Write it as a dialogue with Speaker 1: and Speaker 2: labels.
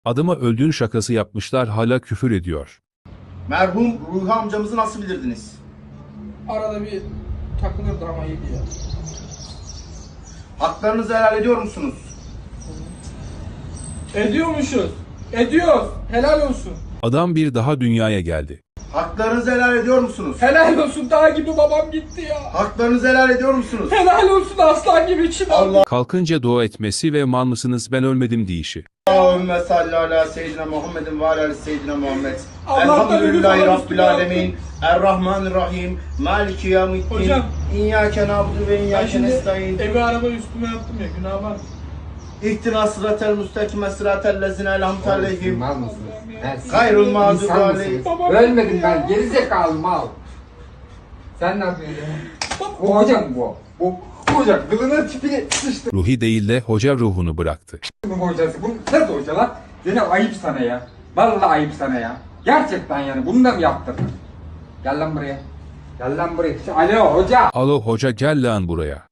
Speaker 1: Adama öldüğün şakası yapmışlar, hala küfür ediyor.
Speaker 2: Merhum Ruhi amcamızı nasıl bilirdiniz?
Speaker 3: Arada bir takılırdı ama iyiydi ya.
Speaker 2: Haklarınızı helal ediyor musunuz?
Speaker 3: Ediyormuşuz. Ediyoruz. Helal olsun.
Speaker 1: Adam bir daha dünyaya geldi.
Speaker 2: Haklarınızı helal ediyor musunuz?
Speaker 3: Helal olsun. Dağ gibi babam gitti ya.
Speaker 2: Haklarınızı helal ediyor musunuz?
Speaker 3: Helal olsun, aslan gibi içim.
Speaker 2: Allah
Speaker 1: Kalkınca dua etmesi ve mal mısınız ben ölmedim deyişi.
Speaker 2: Allahümme salli ala seyyidina Muhammedin ve ala seyyidina Muhammed.
Speaker 3: Allah'tan
Speaker 2: Elhamdülillahi
Speaker 3: ölü falan
Speaker 2: Rabbil
Speaker 3: üstüne
Speaker 2: alemin. Errahmanirrahim. Maliki yevmiddin.
Speaker 3: Hocam.
Speaker 2: İyyâke na'budu ve
Speaker 3: Ben
Speaker 2: iyyâke
Speaker 3: şimdi
Speaker 2: nestaîn.
Speaker 3: evi araba üstüme yaptım ya, günah var.
Speaker 2: İhtina sıratel müstakime sıratel lezine elhamdü aleyhim.
Speaker 4: Mal mısınız? Ben siz
Speaker 2: Gayrul mağdubi
Speaker 4: insan
Speaker 2: aleyhim.
Speaker 4: mısınız?
Speaker 3: Babam
Speaker 4: Ölmedim
Speaker 3: gitti
Speaker 4: ben.
Speaker 3: ya.
Speaker 4: Gerizekalı mal. Sen ne yapıyorsun ya? Bu hocam bu. Bu hocam kılına tipini sıçtı
Speaker 1: Ruhi değil de hoca ruhunu bıraktı.
Speaker 4: bu hocası. Bu nasıl hoca lan? Zeynep ayıp sana ya. Vallahi ayıp sana ya. Gerçekten yani bunu da mı yaptırdın? Gel lan buraya. Gel lan buraya. Alo hoca.
Speaker 1: Alo hoca, gel lan buraya.